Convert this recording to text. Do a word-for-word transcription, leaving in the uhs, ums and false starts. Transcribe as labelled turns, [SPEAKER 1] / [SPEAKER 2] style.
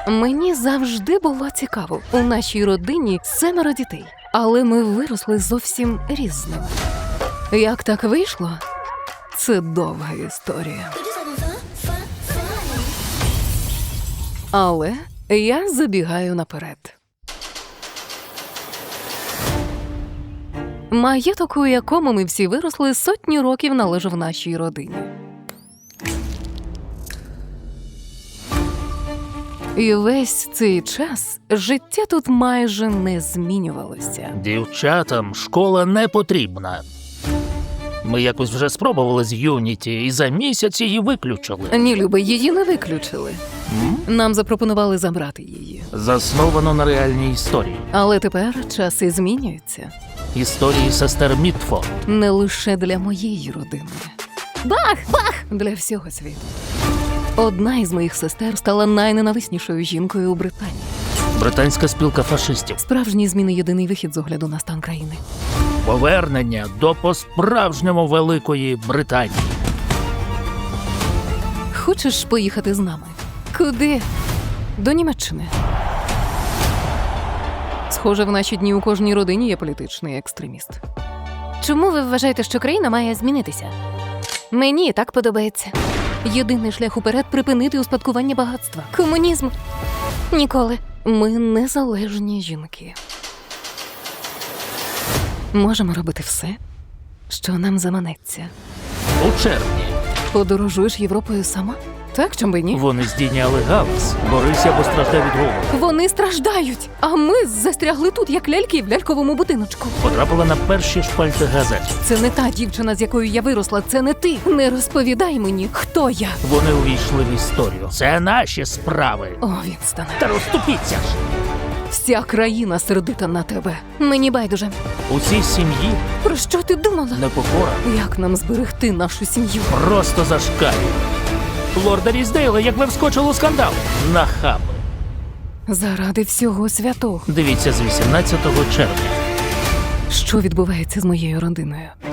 [SPEAKER 1] Мені завжди було цікаво. У нашій родині семеро дітей, але ми виросли зовсім різними. Як так вийшло? Це довга історія. Але я забігаю наперед. Маєток, у якому ми всі виросли, сотні років належав нашій родині. І весь цей час життя тут майже не змінювалося.
[SPEAKER 2] Дівчатам школа не потрібна. Ми якось вже спробували з Юніті, і за місяць її виключили.
[SPEAKER 1] Ні, Люба, її не виключили.
[SPEAKER 2] М?
[SPEAKER 1] Нам запропонували забрати її.
[SPEAKER 2] Засновано на реальній історії.
[SPEAKER 1] Але тепер часи змінюються.
[SPEAKER 2] Історії сестер Мітфорд.
[SPEAKER 1] Не лише для моєї родини. Бах! Бах! Для всього світу. Одна із моїх сестер стала найненависнішою жінкою у Британії.
[SPEAKER 2] Британська спілка фашистів.
[SPEAKER 1] Справжні зміни – єдиний вихід з огляду на стан країни.
[SPEAKER 2] Повернення до по-справжньому Великої Британії.
[SPEAKER 1] Хочеш поїхати з нами? Куди? До Німеччини. Схоже, в наші дні у кожній родині є політичний екстреміст. Чому ви вважаєте, що країна має змінитися? Мені так подобається. Єдиний шлях уперед – припинити успадкування багатства. Комунізм. Ніколи. Ми незалежні жінки. Можемо робити все, що нам заманеться.
[SPEAKER 2] У червні
[SPEAKER 1] Подорожуєш Європою сама? Так, чом би ні?
[SPEAKER 2] вони здійняли галас. Борися або страждай від голоду.
[SPEAKER 1] Вони страждають, а ми застрягли тут, як ляльки в ляльковому будиночку.
[SPEAKER 2] Потрапила на перші шпальти газет.
[SPEAKER 1] Це не та дівчина, з якою я виросла, це не ти. Не розповідай мені, хто я.
[SPEAKER 2] Вони увійшли в історію. Це наші справи.
[SPEAKER 1] О, Вінстоне.
[SPEAKER 2] Та розступіться ж!
[SPEAKER 1] Вся країна сердита на тебе. Мені байдуже.
[SPEAKER 2] У цій сім'ї
[SPEAKER 1] Про що ти думала?
[SPEAKER 2] непокора
[SPEAKER 1] Як нам зберегти нашу сім'ю?
[SPEAKER 2] просто зашкалює. Лорда Різдейла, як ви вскочили у скандал. Нахаби.
[SPEAKER 1] Заради всього святого.
[SPEAKER 2] Дивіться з вісімнадцятого червня.
[SPEAKER 1] Що відбувається з моєю родиною?